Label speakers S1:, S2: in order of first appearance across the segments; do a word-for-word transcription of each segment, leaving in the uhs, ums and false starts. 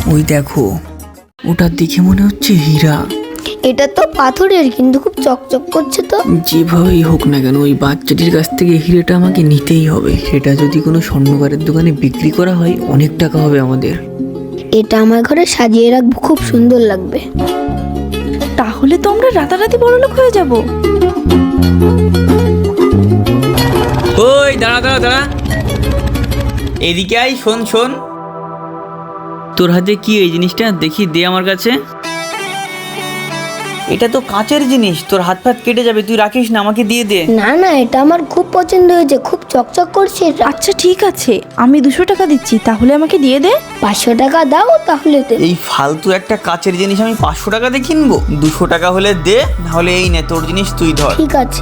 S1: ওই দেখো, ওটা দেখে মনে হচ্ছে হীরা।
S2: এটা তো পাথরের, কিন্তু খুব চকচক করছে তো।
S1: যেভাবেই হোক না কেন ওই বাচ্চাটির কাছ থেকে হিরেটা আমাকে নিতেই হবে। সেটা যদি কোনো স্বর্ণকারের দোকানে বিক্রি করা হয় অনেক টাকা হবে আমাদের।
S2: এটা আমার ঘরে সাজিয়ে রাখবো, খুব সুন্দর লাগবে।
S3: তাহলে তো আমরা রাতারাতি বড়লোক হয়ে যাব।
S4: ওই দাঁড়া দাঁড়া দাঁড়া, এদিকে আই। শোন শোন, তোর হাতে কি এই জিনিসটা দেখি, দে আমার কাছে। এটা তো কাঁচের জিনিস, তোর হাত ফাত কেটে যাবে, তুই রাখিস না, আমাকে দিয়ে দে।
S2: না না, এটা আমার খুব পছন্দ হয়েছে, খুব চকচক করছে এটা।
S3: আচ্ছা ঠিক আছে, আমি দুশো টাকা দিচ্ছি, তাহলে আমাকে দিয়ে দে।
S2: পাঁচশো টাকা দাও তাহলে দে।
S4: এই ফালতু একটা কাঁচের জিনিস আমি পাঁচশো টাকা দিয়ে কিনবো? দুশো টাকা হলে দে, নাহলে এই নে তোর জিনিস তুই ধর।
S2: ঠিক আছে।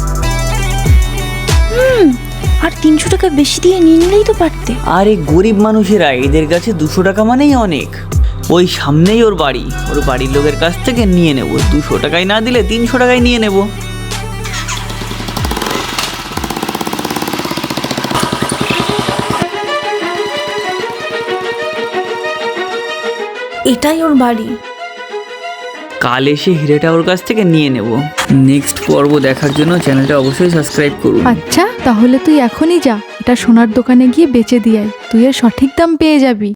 S3: হুম, আর তিনশো টাকা বেশি দিয়ে নিয়ে নিলেই তো পারতে।
S4: আরে গরিব মানুষেরা, এদের কাছে দুশো টাকা মানেই অনেক। ওই সামনেই ওর বাড়ি, ওর বাড়ির লোকের কাছ থেকে নিয়ে নেব। দুশো টাকায় না দিলে তিনশো টাকায় নিয়ে নেব।
S3: এটাই ওর বাড়ি।
S4: কাল এসে হিরেটা ওর কাছ থেকে নিয়ে নেব। নেক্সট পর্ব দেখার জন্য চ্যানেলটা অবশ্যই সাবস্ক্রাইব করুন।
S5: আচ্ছা তাহলে তুই এখনই যা, এটা সোনার দোকানে গিয়ে বেচে দিয়ে আয়, তুই এর সঠিক দাম পেয়ে যাবি।